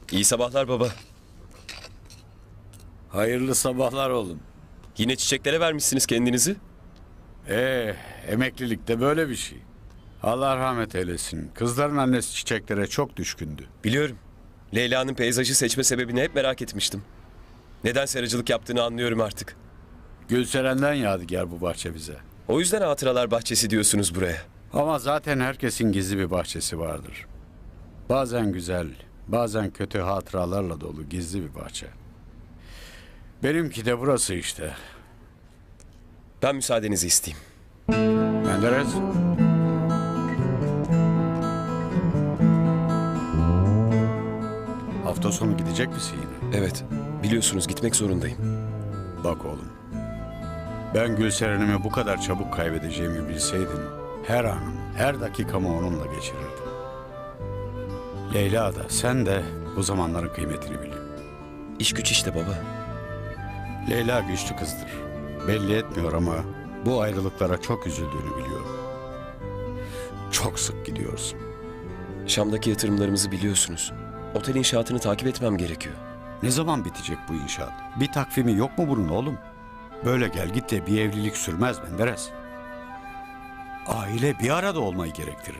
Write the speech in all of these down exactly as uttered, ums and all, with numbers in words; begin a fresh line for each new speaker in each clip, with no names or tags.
İyi sabahlar baba.
Hayırlı sabahlar oğlum.
Yine çiçeklere vermişsiniz kendinizi.
Ee, emeklilik de böyle bir şey. Allah rahmet eylesin. Kızların annesi çiçeklere çok düşkündü.
Biliyorum. Leyla'nın peyzajı seçme sebebini hep merak etmiştim. Neden seracılık yaptığını anlıyorum artık.
Gülseren'den yadigar bu bahçe bize.
O yüzden hatıralar bahçesi diyorsunuz buraya.
Ama zaten herkesin gizli bir bahçesi vardır. Bazen güzel, bazen kötü hatıralarla dolu gizli bir bahçe. Benimki de burası işte.
Ben müsaadenizi isteyeyim.
Menderes. Hafta sonu gidecek misin yine?
Evet, biliyorsunuz gitmek zorundayım.
Bak oğlum, ben Gülseren'imi bu kadar çabuk kaybedeceğimi bilseydim, her anım, her dakikamı onunla geçirirdim. Leyla da, sen de bu zamanların kıymetini bilin.
İş güç işte baba.
Leyla güçlü kızdır. Belli etmiyor ama bu ayrılıklara çok üzüldüğünü biliyorum. Çok sık gidiyorsun.
Şam'daki yatırımlarımızı biliyorsunuz. Otel inşaatını takip etmem gerekiyor.
Ne zaman bitecek bu inşaat? Bir takvimi yok mu bunun oğlum? Böyle gel git de bir evlilik sürmez Menderes. Aile bir arada olmayı gerektirir.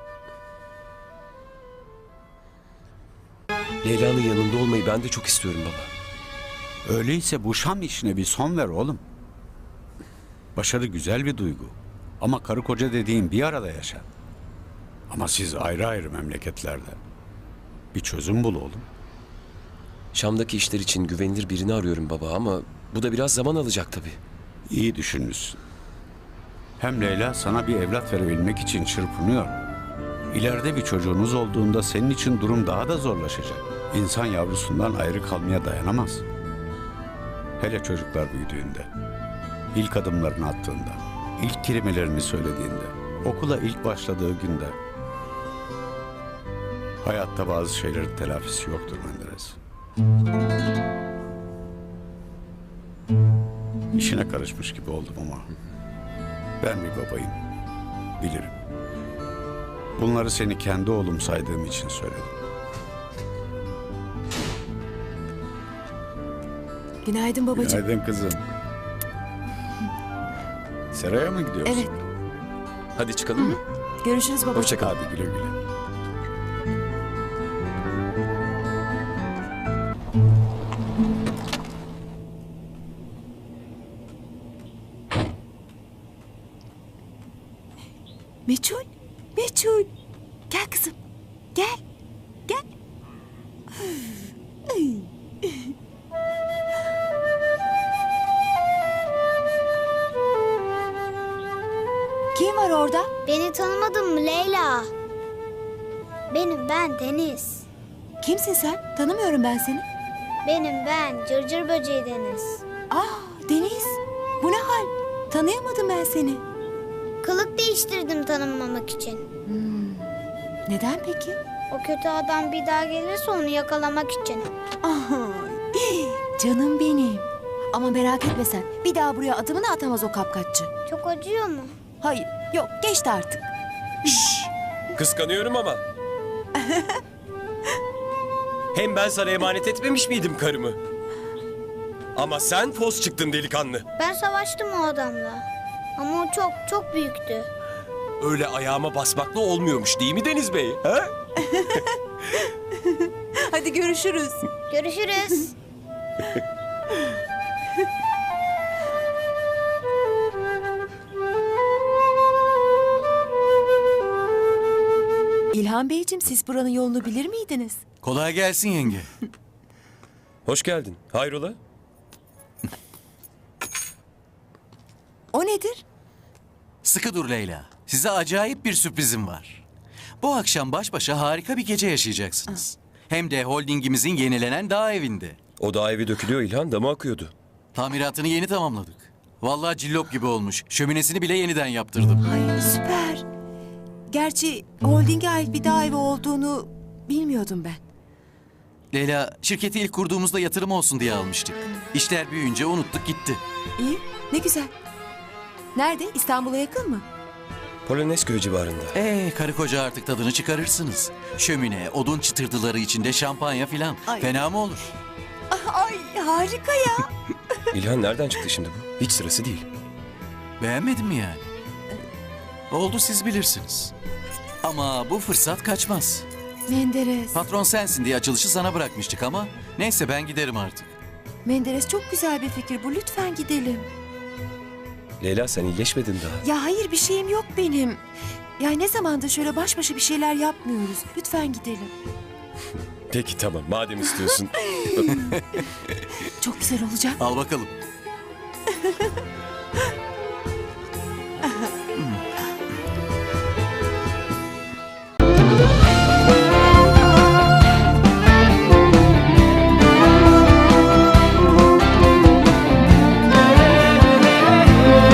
Leyla'nın yanında olmayı ben de çok istiyorum baba.
Öyleyse bu Şam işine bir son ver oğlum. Başarı güzel bir duygu. Ama karı koca dediğin bir arada yaşar. Ama siz ayrı ayrı memleketlerde. Bir çözüm bul oğlum.
Şam'daki işler için güvenilir birini arıyorum baba ama bu da biraz zaman alacak tabii.
İyi düşünmüşsün. Hem Leyla sana bir evlat verebilmek için çırpınıyor. İleride bir çocuğunuz olduğunda senin için durum daha da zorlaşacak. İnsan yavrusundan ayrı kalmaya dayanamaz. Hele çocuklar büyüdüğünde, ilk adımlarını attığında, ilk kelimelerini söylediğinde, okula ilk başladığı günde. Hayatta bazı şeylerin telafisi yoktur Menderes. İşine karışmış gibi oldum ama ben bir babayım, bilirim. Bunları seni kendi oğlum saydığım için söyledim.
Günaydın babacığım.
Günaydın kızım. Seraya mı gidiyorsun?
Evet.
Hadi çıkalım mı?
Görüşürüz babacığım.
Hoşça kal.
Hadi güle güle.
Meçhul, Meçhul. Gel kızım. Gel. Gel. Kim var orada?
Beni tanımadın mı Leyla? Benim ben Deniz.
Kimsin sen? Tanımıyorum ben seni.
Benim ben Cırcır Böceği Deniz.
Aa, Deniz. Bu ne hal? Tanıyamadım ben seni.
Kılık değiştirdim tanınmamak için.
Neden peki?
O kötü adam bir daha gelirse onu yakalamak için.
Ay, canım benim. Ama merak etme sen. Bir daha buraya adımını atamaz o kapkaççı.
Çok acıyor mu?
Hayır, yok geçti artık.
Şşş! Kıskanıyorum ama. Hem ben sana emanet etmemiş miydim karımı? Ama sen fos çıktın delikanlı.
Ben savaştım o adamla. Ama o çok çok büyüktü.
Öyle ayağıma basmakla olmuyormuş değil mi Deniz Bey? Ha?
Hadi görüşürüz.
Görüşürüz.
İlhan Beyciğim, siz buranın yolunu bilir miydiniz?
Kolay gelsin yenge.
Hoş geldin. Hayrola?
O nedir?
Sıkı dur Leyla. Size acayip bir sürprizim var. Bu akşam baş başa harika bir gece yaşayacaksınız. Hem de holdingimizin yenilenen dağ evinde.
O dağ evi dökülüyor İlhan, damı akıyordu.
Tamiratını yeni tamamladık. Vallahi cillop gibi olmuş. Şöminesini bile yeniden yaptırdım.
Ay süper. Gerçi holdinge ait bir dağ evi olduğunu bilmiyordum ben.
Leyla, şirketi ilk kurduğumuzda yatırım olsun diye almıştık. İşler büyüyünce unuttuk gitti.
İyi, ne güzel. Nerede? İstanbul'a yakın mı?
Polonezköy civarında.
Ee, karı koca artık tadını çıkarırsınız. Şömine, odun çıtırtıları içinde şampanya filan.
Ay.
Fena mı olur?
Ay harika ya.
İlhan nereden çıktı şimdi bu? Hiç sırası değil.
Beğenmedin mi yani? Oldu, siz bilirsiniz. Ama bu fırsat kaçmaz.
Menderes.
Patron sensin diye açılışı sana bırakmıştık ama neyse, ben giderim artık.
Menderes çok güzel bir fikir bu. Lütfen gidelim.
Leyla sen iyileşmedin daha.
Ya hayır bir şeyim yok benim. Ya ne zamandır şöyle baş başa bir şeyler yapmıyoruz. Lütfen gidelim.
Peki tamam madem istiyorsun.
Çok güzel olacak.
Al bakalım.